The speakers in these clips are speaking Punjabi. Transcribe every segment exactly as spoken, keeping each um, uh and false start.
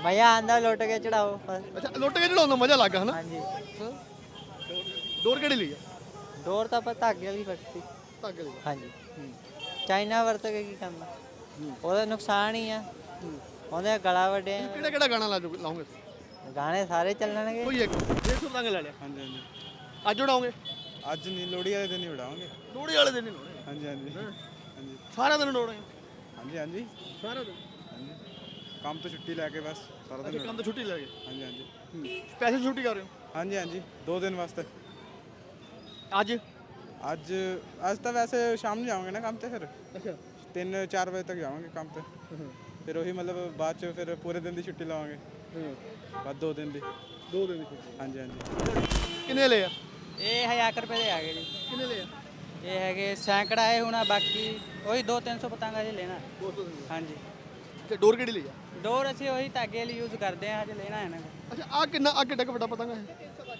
ਮਜ਼ਾ ਆਂਦਾ ਲੁੱਟ ਕੇ ਚੜਾਓ ਬਸ। ਅੱਛਾ ਲੁੱਟ ਕੇ ਚੜਾਉਣ ਦਾ ਮਜ਼ਾ ਲੱਗਾ ਹਨਾ। ਹਾਂਜੀ ਹਾਂ। ਡੋਰ ਕਿਹੜੀ ਲਈ ਆ? ਡੋਰ ਤਾਂ ਆਪਾਂ ਧਾਗੇ ਵਾਲੀ ਵਰਤੀ। ਧਾਗੇ ਦੀ। ਹਾਂਜੀ ਹੂੰ ਚਾਈਨਾ ਵਰਤ ਕੇ ਕੀ ਕਰਨਾ, ਹੂੰ ਉਹਦਾ ਨੁਕਸਾਨ ਹੀ ਆ, ਹੂੰ ਉਹਦੇ ਗਲਾ ਵੱਡੇ ਕਿਹੜਾ ਕਿਹੜਾ ਗਾਣਾ ਲਾ ਜੂ- ਲਾਉਂਗੇ? ਗਾਣੇ ਸਾਰੇ ਚੱਲਣਗੇ। ਕੋਈ ਇੱਕ ਡੇਢ ਸੌ ਪਤੰਗ ਲੈ ਲਿਆ। ਹਾਂਜੀ ਹਾਂਜੀ ਅੱਜ ਉਡਾਓਗੇ? ਅੱਜ ਨਹੀਂ, ਲੋਹੜੀ ਵਾਲੇ ਦਿਨ ਹੀ ਉਡਾਵਾਂਗੇ। ਲੋਹੜੀ ਵਾਲੇ ਦਿਨ ਹੀ ਲਾਉਣੇ। ਹਾਂਜੀ ਹਾਂਜੀ ਹਾਂ। ਹਾਂਜੀ ਸਾਰਾ ਦਿਨ ਉਡਾਉਣੇ? ਹਾਂਜੀ ਹਾਂਜੀ ਸਾਰਾ ਦਿਨ। ਹਾਂਜੀ ਕੰਮ ਤੋਂ ਛੁੱਟੀ ਲੈ ਕੇ ਬਸ ਸਾਰਾ ਅੱਛਾ ਦਿਨ ਕੰਮ ਤੋਂ ਛੁੱਟੀ ਲੈ ਗਏ? ਹਾਂਜੀ ਹਾਂਜੀ ਸਪੈਸ਼ਲ ਛੁੱਟੀ ਕਰ ਰਹੇ ਹੋ? ਹਾਂਜੀ ਹਾਂਜੀ ਦੋ ਦਿਨ ਵਾਸਤੇ। ਅੱਜ? ਅੱਜ ਅੱਜ ਤਾਂ ਵੈਸੇ ਸ਼ਾਮ ਨੂੰ ਜਾਵਾਂਗੇ ਨਾ ਕੰਮ ਤੇ, ਫਿਰ ਅੱਛਾ ਤਿੰਨ ਚਾਰ ਵਜੇ ਤੱਕ ਜਾਵਾਂਗੇ ਕੰਮ ਤੇ। ਫਿਰ ਉਹੀ ਮਤਲਬ ਬਾਅਦ ਚ ਫਿਰ ਪੂਰੇ ਦਿਨ ਦੀ ਛੁੱਟੀ ਲਵਾਂਗੇ। ਹਾਂ ਬਸ ਦੋ ਦਿਨ ਦੀ। ਦੋ ਦਿਨ ਦੀ ਛੁੱਟੀ। ਹਾਂਜੀ ਹਾਂਜੀ ਕਿੰਨੇ ਲਏ ਆ? ਇਹ ਹਜ਼ਾਰ ਰੁਪਏ ਦੇ ਆ ਗਏ ਜੀ। ਕਿੰਨੇ ਲਏ ਆ? ਇਹ ਹੈਗੇ ਸੈਂਕੜਾ ਇਹ ਹੋਣਾ, ਬਾਕੀ ਉਹੀ ਦੋ ਤਿੰਨ ਸੌ ਪਤੰਗਾ ਜੀ ਲੈਣਾ। ਦੋ ਸੌ ਦਿਨ। ਹਾਂਜੀ ਤੇ ਡੋਰ ਕਿਹੜੀ ਲਈ ਆ? ਡੋਰ ਅਸੀਂ ਉਹੀ ਧਾਗੇ ਵਾਲੀ ਯੂਜ਼ ਕਰਦੇ ਹਾਂ, ਹਜੇ ਲੈਣਾ ਹੈ ਨਾ। ਅੱਛਾ ਆ ਕਿੰਨਾ ਆ ਕਿੱਡਾ ਕੁ ਵੱਡਾ ਪਤੰਗ ਹੈ?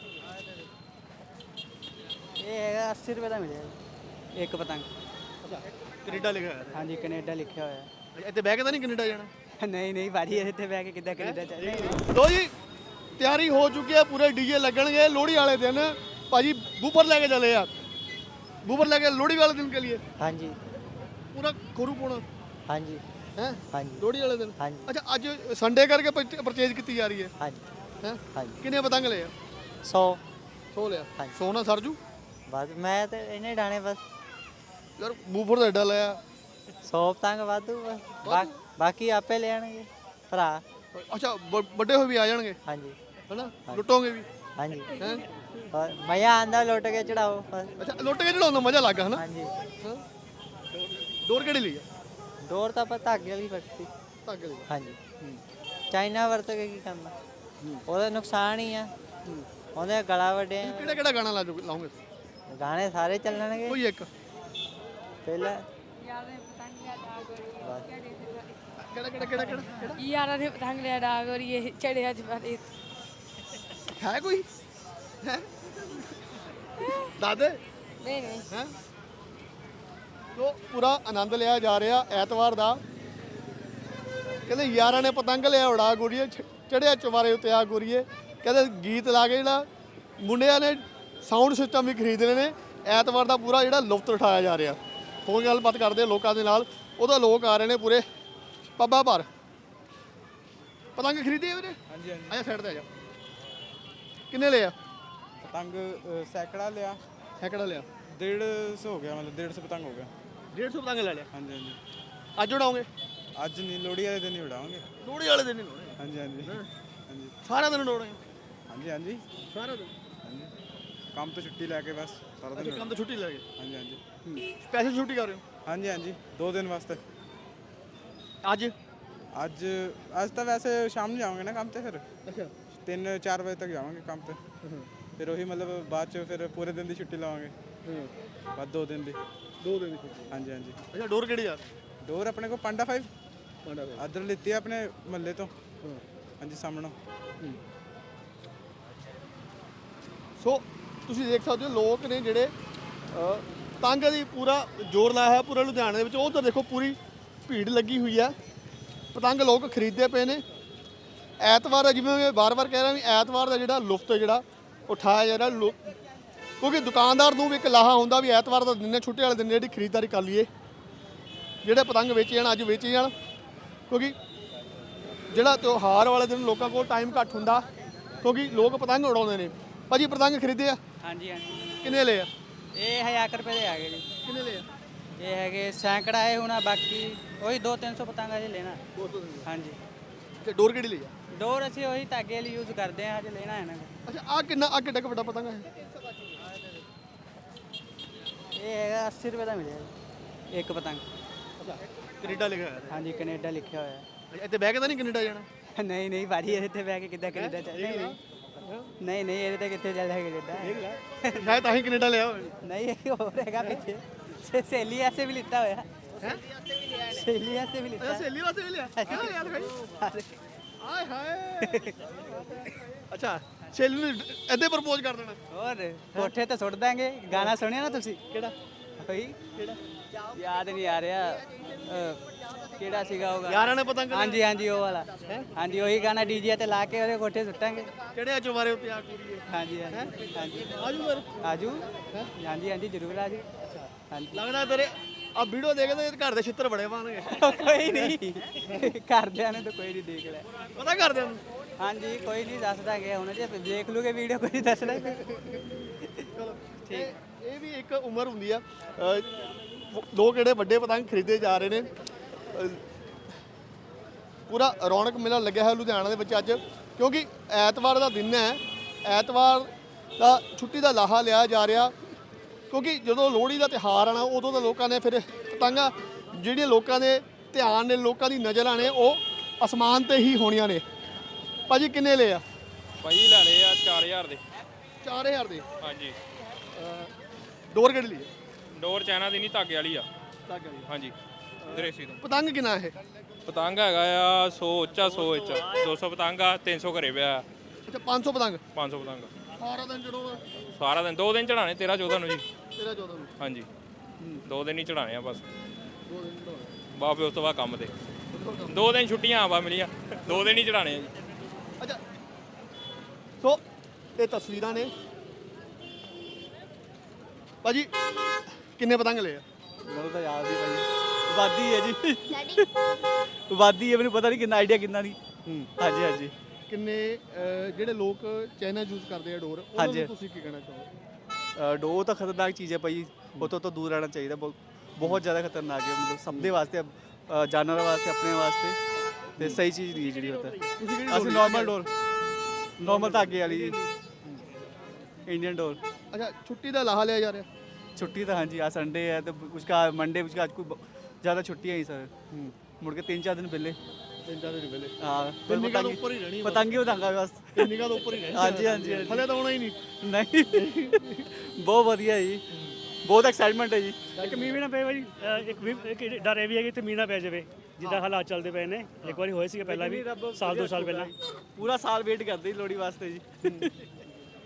ਇਹ ਹੈਗਾ ਅੱਸੀ ਰੁਪਏ ਦਾ ਮਿਲਿਆ ਜੀ ਇੱਕ ਪਤੰਗ। ਅੱਛਾ ਕੈਨੇਡਾ ਲਿਖਿਆ ਹੋਇਆ ਹਾਂਜੀ ਕੈਨੇਡਾ ਲਿਖਿਆ ਹੋਇਆ। ਹੈ। ਇੱਥੇ ਬਹਿ ਕੇ ਤਾਂ ਨਹੀਂ ਕੈਨੇਡਾ ਜਾਣਾ? ਨਹੀਂ ਨਹੀਂ ਭਾਜੀ ਇੱਥੇ ਬਹਿ ਕੇ ਕਿੱਦਾਂ ਕੈਨੇਡਾ ਚੱਲ ਨਹੀਂ। ਲੋ ਜੀ ਤਿਆਰੀ ਹੋ ਚੁੱਕੀ ਹੈ, ਪੂਰੇ ਡੀਜੇ ਲੱਗਣਗੇ ਲੋਹੜੀ ਵਾਲੇ ਦਿਨ। ਭਾਜੀ ਬੂਫਰ ਲੈ ਕੇ ਚਲੇ ਆ, ਬੂਫਰ ਲੈ ਕੇ ਲੋਹੜੀ ਵਾਲੇ ਦਿਨ ਕੇ लिए ਹਾਂਜੀ ਪੂਰਾ ਖੋਰੂ ਪਾਉਣਾ ਹਾਂਜੀ ਹੈ ਹਾਂਜੀ ਲੋਹੜੀ ਵਾਲੇ ਦਿਨ। ਹਾਂਜੀ ਅੱਛਾ ਅੱਜ ਸੰਡੇ ਕਰਕੇ ਪਰਚੇਜ ਕੀਤੀ ਜਾ ਰਹੀ ਹੈ ਹਾਂਜੀ ਹੈ? ਹਾਂਜੀ ਕਿੰਨੇ ਪਤੰਗ ਲਏ ਆ? ਸੌ ਸੌ ਲਿਆ। ਹਾਂਜੀ। ਸੌ ਨਾਲ ਸਰਜੂ? ਬਸ ਮੈਂ ਤੇ ਇਹਨੇ ਡਾਣੇ ਬਸ ਯਾਰ ਬੂਫਰ ਦਾ ਐਡਾ ਲਿਆ। ਸੌ ਪਤੰਗ ਵਾਧੂ ਬਸ ਬਾ- ਬਾਕੀ ਆਪੇ ਲੈਣਗੇ ਭਰਾ। ਅੱਛਾ ਵ- ਵੱਡੇ ਹੋਏ ਵੀ ਆ ਜਾਣਗੇ ਹਾਂਜੀ ਹਨਾ? ਲੁੱਟੋਗੇ ਵੀ ਹਾਂਜੀ ਹੈ? ਬਸ ਮਜ਼ਾ ਆਂਦਾ ਲੁੱਟ ਕੇ ਚੜਾਓ ਬਸ। ਅੱਛਾ ਲੁੱਟ ਕੇ ਚੜਾਉਣ ਦਾ ਮਜ਼ਾ ਲੱਗਾ ਹਨਾ। ਹਾਂਜੀ ਹਾਂ। ਡੋਰ ਕਿਹੜੀ ਲਈ ਆ? ਡੋਰ ਤਾਂ ਆਪਾਂ ਧਾਗੇ ਵਾਲੀ ਵਰਤੀ। ਧਾਗੇ ਦੀ। ਹਾਂਜੀ ਚਾਈਨਾ ਵਰਤ ਕੇ ਕੀ ਕਰਨਾ, ਉਹਦਾ ਨੁਕਸਾਨ ਹੀ ਆ, ਉਹਦੇ ਗਲਾ ਵੱਡੇ ਕਿਹੜਾ ਕਿਹੜਾ ਗਾਣਾ ਲਾ ਜੂ- ਲਾਉਂਗੇ? ਗਾਣੇ ਸਾਰੇ ਚੱਲਣਗੇ। ਕੋਈ ਇੱਕ ਪਹਿਲਾਂ ਕਿਹੜਾ ਕਿਹੜਾ ਕਿਹੜਾ ਕਿਹੜਾ ਕਿਹੜਾ ਯਾਰਾਂ ਨੇ ਪਤੰਗ ਲਿਆ ਡਾਗ ਔਰ ਇਹ ਚੜਿਆ ਜਵਾਰੇ। ਹੈ ਕੋਈ ਹੈ? ਦਾਦੇ ਨਹੀਂ ਨਹੀਂ ਹੈ? ਲੋ ਪੂਰਾ ਆਨੰਦ ਲਿਆ ਜਾ ਰਿਹਾ ਐਤਵਾਰ ਦਾ। ਕਹਿੰਦੇ ਯਾਰਾਂ ਨੇ ਪਤੰਗ ਲਿਆ ਉਡਾ ਗੋਰੀਏ, ਚੜਿਆ ਚਵਾਰੇ ਉੱਤੇ ਆ ਗੋਰੀਏ। ਕਹਿੰਦੇ ਗੀਤ ਲਾ ਕੇ ਜਿਹੜਾ ਮੁੰਡਿਆਂ ਨੇ ਸਾਊਂਡ ਸਿਸਟਮ ਵੀ ਖਰੀਦ ਲਏ ਨੇ। ਐਤਵਾਰ ਦਾ ਪੂਰਾ ਜਿਹੜਾ ਲੁਤਫ ਉਠਾਇਆ ਜਾ ਰਿਹਾ। ਫੋਨ ਗੱਲਬਾਤ ਕਰਦੇ ਲੋਕਾਂ ਦੇ ਨਾਲ, ਉਹਦਾ ਲੋਕ ਆ ਰਹੇ ਨੇ ਪੂਰੇ ਪੱਬਾਂ ਭਰ। ਪਤੰਗ ਖਰੀਦੇ ਆ ਵੀਰੇ? ਹਾਂਜੀ ਹਾਂਜੀ ਆਜਾ ਸਾਈਡ ਤੇ ਆ ਜਾ। ਕਿੰਨੇ ਲਿਆ? ਪਤੰਗ ਅ, ਸੈਂਕੜਾ ਲਿਆ। ਸੈਂਕੜਾ ਲਿਆ। ਡੇਢ ਸੌ ਹੋ ਗਿਆ, ਮਤਲਬ ਡੇਢ ਸੌ ਪਤੰਗ ਹੋ ਗਿਆ। ਡੇਢ ਸੌ ਪਤੰਗ ਲੈ ਲਿਆ। ਹਾਂਜੀ ਹਾਂਜੀ ਅੱਜ ਉਡਾਓਗੇ? ਅੱਜ ਨਹੀਂ, ਲੋਹੜੀ ਵਾਲੇ ਦਿਨ ਹੀ ਉਡਾਵਾਂਗੇ। ਲੋਹੜੀ ਵਾਲੇ ਦਿਨ ਹੀ ਲਾਉਣੇ। ਹਾਂਜੀ ਹਾਂਜੀ ਹਾਂਜੀ ਸਾਰਾ ਦਿਨ ਉਡਾਉਣੇ? ਹਾਂਜੀ ਹਾਂਜੀ ਸਾਰਾ ਦਿਨ। ਹਾਂਜੀ ਕੰਮ ਤੋਂ ਛੁੱਟੀ ਲੈ ਕੇ ਬਸ ਸਾਰਾ ਅੱਛਾ ਦਿਨ ਕੰਮ ਤੋਂ ਛੁੱਟੀ ਲੈ ਗਏ? ਹਾਂਜੀ ਹਾਂਜੀ ਸਪੈਸ਼ਲ ਛੁੱਟੀ ਕਰ ਰਹੇ ਹੋ? ਹਾਂਜੀ ਹਾਂਜੀ ਦੋ ਦਿਨ ਵਾਸਤੇ। ਅੱਜ? ਅੱਜ ਅੱਜ ਤਾਂ ਵੈਸੇ ਸ਼ਾਮ ਨੂੰ ਜਾਵਾਂਗੇ ਨਾ ਕੰਮ ਤੇ, ਫਿਰ ਅੱਛਾ ਤਿੰਨ ਚਾਰ ਵਜੇ ਤੱਕ ਜਾਵਾਂਗੇ ਕੰਮ ਤੇ। ਫਿਰ ਉਹੀ ਮਤਲਬ ਬਾਅਦ ਚ ਫਿਰ ਪੂਰੇ ਦਿਨ ਦੀ ਛੁੱਟੀ ਲਵਾਂਗੇ। ਹਾਂ ਬਸ ਦੋ ਦਿਨ ਦੀ। ਦੋ ਦਿਨ ਦੀ ਛੁੱਟੀ। ਹਾਂਜੀ ਹਾਂਜੀ ਅੱਛਾ ਡੋਰ ਕਿਹੜੀ ਯਾਰ? ਡੋਰ ਆਪਣੇ ਕੋਲ ਪਾਂਡਾ ਫਾਈਵ ਪਾਂਡਾ ਦੇ। ਅਦਰ ਲਿੱਤੀ ਆ ਆਪਣੇ ਮਹੱਲੇ ਤੋਂ। ਹਾਂ ਹਾਂਜੀ ਸਾਹਮਣੋਂ। ਸੋ ਤੁਸੀਂ ਦੇਖ ਸਕਦੇ ਹੋ ਲੋਕ ਨੇ ਜਿਹੜੇ ਅ, ਪਤੰਗ ਦੀ ਪੂਰਾ ਜ਼ੋਰ ਲਾਇਆ ਹੈ ਪੂਰੇ ਲੁਧਿਆਣੇ ਦੇ ਵਿੱਚ। ਉਧਰ ਦੇਖੋ ਪੂਰੀ ਭੀੜ ਲੱਗੀ ਹੋਈ ਹੈ, ਪਤੰਗ ਲੋਕ ਖਰੀਦਦੇ ਪਏ ਨੇ। ਐਤਵਾਰ ਜਿਵੇਂ ਮੈਂ ਵਾਰ-ਵਾਰ ਕਹਿ ਰਿਹਾ ਵੀ ਐਤਵਾਰ ਦਾ ਜਿਹੜਾ ਲੁਫਤ ਜਿਹੜਾ ਉਠਾਇਆ ਜਾ ਰਿਹਾ ਲੋ ਕਿਉਂਕਿ ਦੁਕਾਨਦਾਰ ਨੂੰ ਵੀ ਇੱਕ ਲਾਹਾ ਹੁੰਦਾ ਵੀ ਐਤਵਾਰ ਦਾ ਦਿਨ ਹੈ, ਛੁੱਟੀ ਵਾਲੇ ਦਿਨ ਜਿਹੜੀ ਖਰੀਦਦਾਰੀ ਕਰ ਲਈਏ, ਜਿਹੜੇ ਪਤੰਗ ਵੇਚੇ ਜਾਣ ਅੱਜ ਵੇਚੇ ਜਾਣ। ਕਿਉਂਕਿ ਜਿਹੜਾ ਤਿਉਹਾਰ ਵਾਲੇ ਦਿਨ ਲੋਕਾਂ ਕੋਲ ਟਾਈਮ ਘੱਟ ਹੁੰਦਾ, ਕਿਉਂਕਿ ਲੋਕ ਪਤੰਗ ਉਡਾਉਂਦੇ ਨੇ। ਭਾਜੀ ਪਤੰਗ ਖਰੀਦੇ ਆ? ਹਾਂਜੀ ਹਾਂਜੀ ਕਿੰਨੇ ਲਏ ਆ? ਇਹ ਹਜ਼ਾਰ ਰੁਪਏ ਦੇ ਆ ਗਏ ਜੀ। ਕਿੰਨੇ ਲਏ ਆ? ਇਹ ਹੈਗੇ ਸੈਂਕੜਾ ਇਹ ਹੋਣਾ, ਬਾਕੀ ਉਹੀ ਦੋ ਤਿੰਨ ਸੌ ਪਤੰਗਾ ਜੀ ਲੈਣਾ। ਦੋ ਸੌ ਦਿਨ। ਹਾਂਜੀ ਤੇ ਡੋਰ ਕਿਹੜੀ ਲਈ ਆ? ਡੋਰ ਅਸੀਂ ਉਹੀ ਧਾਗੇ ਵਾਲੀ ਯੂਜ਼ ਕਰਦੇ ਹਾਂ, ਹਜੇ ਲੈਣਾ ਹੈ ਨਾ। ਅੱਛਾ ਆ ਕਿੰਨਾ ਆ ਕਿੱਡਾ ਕੁ ਵੱਡਾ ਪਤੰਗ ਹੈ? ਇਹ ਹੈਗਾ ਅੱਸੀ ਰੁਪਏ ਦਾ ਮਿਲਿਆ ਜੀ ਇੱਕ ਪਤੰਗ। ਅੱਛਾ ਕੈਨੇਡਾ ਲਿਖਿਆ ਹੋਇਆ ਹਾਂਜੀ ਕੈਨੇਡਾ ਲਿਖਿਆ ਹੋਇਆ। ਹੈ। ਇੱਥੇ ਬਹਿ ਕੇ ਤਾਂ ਨਹੀਂ ਕੈਨੇਡਾ ਜਾਣਾ? ਨਹੀਂ ਨਹੀਂ ਭਾਜੀ ਇੱਥੇ ਬਹਿ ਕੇ ਕਿੱਦਾਂ ਕੈਨੇਡਾ ਚੱਲ ਨਹੀਂ ਨਹੀਂ ਨਹੀਂ ਇਹਦੇ ਤੇ ਕਿੱਥੇ ਚੱਲਦਾ ਕੈਨੇਡਾ। ਮੈਂ ਤਾਂ ਹੀ ਕੈਨੇਡਾ ਲਿਆ ਹੋਇਆ। ਨਹੀਂ ਇਹ ਹੋਰ ਹੈਗਾ ਪਿੱਛੇ ਸੇ- ਸਹੇਲੀ ਵਾਸਤੇ ਵੀ ਲਿੱਤਾ ਹੋਇਆ। ਹੈ ਸਹੇਲੀ ਵਾਸਤੇ ਵੀ ਲਿੱਤਾ। ਸਹੇਲੀ ਵਾਸਤੇ ਵੀ ਲਿਆ? ਕਿਹੜਾ ਲਿਆ ਦਿਖਾਈ। ਆਏ ਹਾਏ। ਅੱਛਾ ਸਹੇਲੀ ਨੂੰ ਇੱਥੇ ਪ੍ਰਪੋਜ਼ ਕਰ ਦੇਣਾ? ਹੋਰ ਕੋਠੇ ਤੇ ਸੁੱਟ ਦਾਂਗੇ। ਗਾਣਾ ਸੁਣਿਆ ਨਾ ਤੁਸੀਂ? ਕਿਹੜਾ ਹੋਈ ਕਿਹੜਾ? ਯਾਦ ਨਹੀਂ ਆ ਰਿਹਾ। ਅਹ, ਕਿਹੜਾ ਸੀਗਾ ਉਹ ਗਾਣਾ? ਯਾਰਾਂ ਨੇ ਪਤੰਗ ਹਾਂਜੀ ਹਾਂਜੀ ਉਹ ਵਾਲਾ ਹਾਂਜੀ ਉਹੀ ਗਾਣਾ ਡੀਜੇ ਤੇ ਲਾ ਕੇ ਉਹਦੇ ਕੋਠੇ ਸੁੱਟਾਂਗੇ। ਕਿਹੜੇ ਚੁਬਾਰੇ ਉੱਤੇ ਆ ਕੁੜੀਏ ਹਾਂਜੀ ਹਾਂਜੀ ਹਾਂਜੀ ਆਜੂ ਫਿਰ ਆਜੂ ਹਾਂਜੀ ਹਾਂਜੀ ਜ਼ਰੂਰ ਆਜੂ ਹਾਂਜੀ ਲੱਗਦਾ ਤੇਰੇ ਆ ਵੀਡੀਓ ਦੇਖਦੇ ਘਰ ਦੇ ਛਿੱਤਰ ਬੜੇ ਪਾਣਗੇ। ਕੋਈ ਨਹੀਂ ਘਰਦਿਆਂ ਨੇ ਤਾਂ ਕੋਈ ਨਹੀਂ ਦੇਖ ਲਿਆ। ਪਤਾ ਕਰਦੇ ਨੂੰ ਹਾਂਜੀ ਕੋਈ ਨਹੀਂ ਦੱਸਦਾ ਗਿਆ ਹੁਣ ਜੇ ਦੇਖ ਲੂਗੇ ਵੀਡੀਓ ਕੋਈ ਦੱਸਦਾ ਚਲੋ ਠੀਕ ਇਹ ਵੀ ਇੱਕ ਉਮਰ ਹੁੰਦੀ ਆ ਅ, ਲੋਕ ਜਿਹੜੇ ਵੱਡੇ ਪਤੰਗ ਖਰੀਦੇ ਜਾ ਰਹੇ ਨੇ ਅ, ਪੂਰਾ ਰੌਣਕ ਮੇਲਾ ਲੱਗਿਆ ਹੈ ਲੁਧਿਆਣਾ ਦੇ ਵਿੱਚ ਅੱਜ ਕਿਉਂਕਿ ਐਤਵਾਰ ਦਾ ਦਿਨ ਹੈ ਐਤਵਾਰ ਦਾ ਛੁੱਟੀ ਦਾ ਲਾਹਾ ਲਿਆ ਜਾ ਰਿਹਾ ਕਿਉਂਕਿ ਜਦੋਂ ਲੋਹੜੀ ਦਾ ਤਿਉਹਾਰ ਆਣਾ ਉਦੋਂ ਤਾਂ ਲੋਕਾਂ ਨੇ ਫਿਰ ਪਤੰਗਾਂ ਜਿਹੜੀਆਂ ਲੋਕਾਂ ਦੇ ਧਿਆਨ ਨੇ ਲੋਕਾਂ ਦੀ ਨਜ਼ਰਾਂ ਨੇ ਉਹ ਅਸਮਾਨ ਤੇ ਹੀ ਹੋਣੀਆਂ ਨੇ। ਭਾਜੀ ਕਿੰਨੇ ਲਏ ਆ? ਭਾਈ ਲੈਣੇ ਆ ਚਾਰ ਹਜ਼ਾਰ ਦੇ। ਚਾਰ ਹਜ਼ਾਰ ਦੇ ਹਾਂਜੀ ਡੋਰ ਕਿਹੜੀ ਲਈ ਡੋਰ ਚਾਈਨਾ ਦੀ ਨਹੀਂ ਧਾਗੇ ਵਾਲੀ ਆ। ਧਾਗੇ ਵਾਲੀ ਹਾਂਜੀ ਦਰੇਸੀ ਤੋਂ। ਪਤੰਗ ਕਿੰਨਾ ਇਹ? ਪਤੰਗ ਹੈਗਾ ਆ ਸੌ ਉੱਚਾ ਸੌ ਉੱਚਾ ਦੋ ਸੌ ਪਤੰਗ ਆ ਤਿੰਨ ਸੌ ਘਰੇ ਪਿਆ ਅੱਛਾ ਪੰਜ ਸੌ ਪਤੰਗ ਪੰਜ ਸੌ ਪਤੰਗ ਸਾਰਾ ਦਿਨ ਜਦੋਂ ਸਾਰਾ ਦਿਨ ਦੋ ਦਿਨ ਚੜਾਣੇ ਤੇਰਾਂ ਚੌਦਾਂ ਨੂੰ ਜੀ। ਤੇਰਾ ਚੌਦਾਂ ਨੂੰ ਹਾਂਜੀ ਦੋ ਦਿਨ ਹੀ ਚੜਾਣੇ ਆ ਬਸ ਦੋ ਦਿਨ ਚੜਾਉਣੇ। ਬਾਪੇ ਉਸ ਤੋਂ ਬਾਅਦ ਕੰਮ ਤੇ ਦੋ ਦਿਨ ਛੁੱਟੀਆਂ ਆ ਵਾ ਮਿਲੀਆਂ ਦੋ ਦਿਨ ਹੀ ਚੜਾਣੇ ਆ ਜੀ। ਅੱਛਾ ਸੋ ਇਹ ਤਸਵੀਰਾਂ ਨੇ ਭਾਜੀ ਕਿੰਨੇ ਪਤੰਗ ਲਏ ਆ? ਮੈਨੂੰ ਤਾਂ ਯਾਦ ਨਹੀਂ ਭਾਜੀ ਵਾਦੀ ਹੈ ਜੀ ਵਾਦੀ ਹੈ ਮੈਨੂੰ ਪਤਾ ਨਹੀਂ ਕਿੰਨਾ ਆਈਡੀਆ ਕਿੰਨਾ ਨਹੀਂ ਹਾਂਜੀ ਹਾਂਜੀ ਕਿੰਨੇ ਅਹ, ਜਿਹੜੇ ਲੋਕ ਚਾਈਨਾ ਯੂਜ਼ ਕਰਦੇ ਆ ਡੋਰ ਉਹਨਾਂ ਹਾਂਜੀ। ਨੂੰ ਤੁਸੀਂ ਕੀ ਕਹਿਣਾ ਚਾਹੋਗੇ? ਅ, ਡੋ ਤਾਂ ਖਤਰਨਾਕ ਚੀਜ਼ ਹੈ ਭਾਈ ਉਹ ਤੋਂ ਤਾਂ ਦੂਰ ਰਹਿਣਾ ਚਾਹੀਦਾ ਬਹੁਤ ਬਹੁਤ ਜ਼ਿਆਦਾ ਖਤਰਨਾਕ ਹੈ ਮਤਲਬ ਸਭ ਦੇ ਵਾਸਤੇ ਅ, ਜਾਨਵਰਾਂ ਵਾਸਤੇ ਆਪਣੇ ਵਾਸਤੇ ਤੇ ਸਹੀ ਚੀਜ਼ ਨਹੀਂ ਹੈ ਜਿਹੜੀ ਹੁੰਦਾ ਤੁਸੀਂ ਕਿਹੜੀ ਅਸੀਂ ਡੋਰ ਨਾਰਮਲ ਡੋਰ ਨਾਰਮਲ ਧਾਗੇ ਵਾਲੀ इंडियन डोर ਅੱਛਾ ਛੁੱਟੀ ਦਾ ਲਾਹਾ ਲਿਆ ਜਾ ਰਿਹਾ छुट्टी तो हाँ जी आज संडे है तो उसका मंडे उसका आज कोई ज़्यादा छुट्टियाँ ही सर मुड़ के तीन चार दिन पहले ਤਿੰਨ ਚਾਰ ਦਿਨ ਪਹਿਲੇ हाँ ਤਿੰਨ ਨਿਗਾਹ ਤੋਂ ਉੱਪਰ ਹੀ ਰਹਿਣੀ पतंगी उड़ांगा बस ਤਿੰਨ ਨਿਗਾਹ ਤੋਂ ਉੱਪਰ ਹੀ ਰਹਿਣੀ हाँ जी हाँ जी हाँ ਹਲੇ ਤਾਂ ਆਉਣਾ ਹੀ ਨਹੀਂ जी नहीं बहुत वधिया जी बहुत एक्साइटमेंट है जी ਇੱਕ ਮੀਂਹ ਵੀ ਨਾ ਪਏ ਭਾਈ ਅਹ ਇੱਕ ਵੀ ਇੱਕ ਡਰ ਇਹ ਵੀ ਹੈ ਕਿ ਇੱਥੇ ਮੀਂਹ ਨਾ ਪੈ ਜਾਵੇ ਜਿੱਦਾਂ ਹਾਲਾਤ ਚੱਲਦੇ ਪਏ ਨੇ ਇੱਕ ਵਾਰੀ ਹੋਏ ਸੀਗੇ ਪਹਿਲਾਂ ਵੀ ਸਾਲ ਦੋ ਸਾਲ ਪਹਿਲਾਂ पूरा साल वेट करते जी लोहड़ी वास्ते जी